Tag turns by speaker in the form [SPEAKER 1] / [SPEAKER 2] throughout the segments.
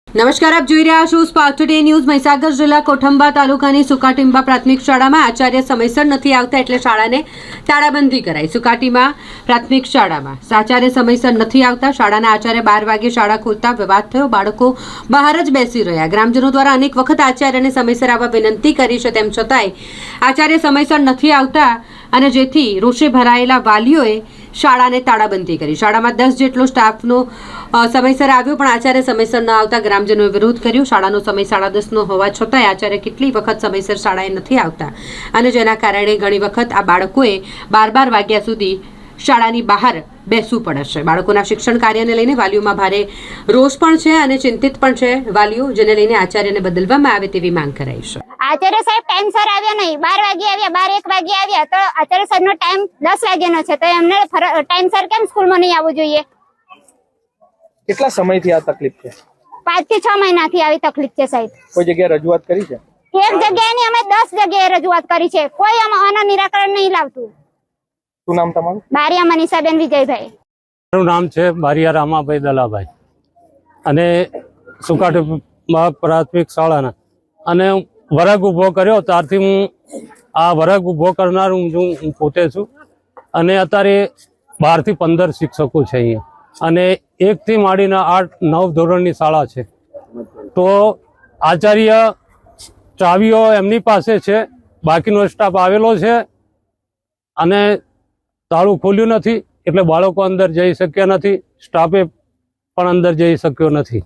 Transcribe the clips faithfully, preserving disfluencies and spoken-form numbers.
[SPEAKER 1] નમસ્કાર, આપ જોઈ રહ્યા છો સ્પાર્ક ટુડે ન્યૂઝ। મહીસાગર જિલ્લા કોઠંબા તાલુકાની સુકાટીંબા પ્રાથમિક શાળામાં આચાર્ય સમયસર નથી આવતા એટલે શાળાને તાળાબંધી કરાઈ। સુકાટીમાં પ્રાથમિક શાળામાં આચાર્ય સમયસર નથી આવતા શાળાના આચાર્ય બાર વાગે શાળા ખોલતા વિવાદ થયો। બાળકો બહાર જ બેસી રહ્યા। ગ્રામજનો દ્વારા અનેક વખત આચાર્યને સમયસર આવવા વિનંતી કરી છે, તેમ છતાંય આચાર્ય સમયસર નથી આવતા અને જેથી રોષે ભરાયેલા વાલીઓએ શાળાને તાળાબંધી કરી। શાળામાં દસ જેટલો સ્ટાફનો સમયસર આવ્યો પણ આચાર્ય સમયસર ન આવતા ગ્રામજનોએ વિરોધ કર્યો। શાળાનો સમય સાડા દસનો હોવા છતાંય આચાર્ય કેટલી વખત સમયસર શાળાએ નથી આવતા અને જેના કારણે ઘણી વખત આ બાળકોએ બાર બાર વાગ્યા સુધી શાળાની બહાર બેસવું પડે છે। બાળકોના શિક્ષણ કાર્યને લઈને વાલીઓમાં ભારે રોષ પણ છે અને ચિંતિત પણ છે વાલીઓ, જેને લઈને આચાર્યને બદલવામાં આવે તેવી માંગ કરાઈ છે।
[SPEAKER 2] આચાર્ય સાહેબ ટાઈમસર આવ્યા નહીં, બાર વાગે આવ્યા, બાર એક વાગે આવ્યા તો આચાર્ય સાહેબનો ટાઈમ દસ વાગ્યાનો છે તો એમને ટાઈમસર કેમ સ્કૂલમાં નહીં આવવું જોઈએ?
[SPEAKER 3] કેટલા સમયથી આ તકલીફ છે?
[SPEAKER 2] પાંચ થી છ મહિનાથી આવી તકલીફ છે સાહેબ।
[SPEAKER 3] કોઈ જગ્યાએ રજૂઆત કરી છે?
[SPEAKER 2] એક જગ્યાએ નહીં, અમે દસ જગ્યાએ રજૂઆત કરી છે, કોઈ આના નિરાકરણ નહીં લાવતું।
[SPEAKER 3] શું નામ તમારું?
[SPEAKER 2] બારિયા મનીષાબેન વિજયભાઈ।
[SPEAKER 4] મારું નામ છે બારિયા રામાભાઈ દલાભાઈ અને સુકાટીંબા પ્રાથમિક શાળાના અને વર્ગ ઊભો કર્યો ત્યારથી હું આ વર્ગ ઊભો કરનાર હું પોતે છું અને અત્યારે બારથી પંદર શિક્ષકો છે અહીંયા અને એકથી માંડીને આઠ નવ ધોરણની શાળા છે। તો આચાર્ય ચાવીઓ એમની પાસે છે, બાકીનો સ્ટાફ આવેલો છે અને તાળું ખોલ્યું નથી એટલે બાળકો અંદર જઈ શક્યા નથી, સ્ટાફે પણ અંદર જઈ શક્યો નથી।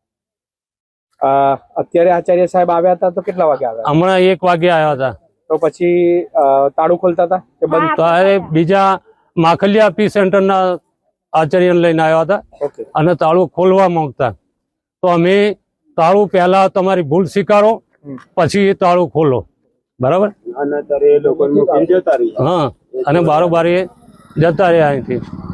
[SPEAKER 3] અત્યારે આચાર્ય સાહેબ આવ્યા હતા તો કેટલા વાગે આવ્યા?
[SPEAKER 4] હમણાં એક વાગે આવ્યા હતા।
[SPEAKER 3] તો પછી તાળું ખોલતા હતા કે બંધ?
[SPEAKER 4] ત્યારે બીજા માખલિયા પી સેન્ટરના આચાર્યને લઈને આવ્યા હતા અને તાળું ખોલવા માંગતા તો અમે તાળું પહેલા તમારી ભૂલ સ્વીકારો પછી તાળું ખોલો, બરાબર? હા, અને બારોબાર જતા રહ્યા અહીંથી।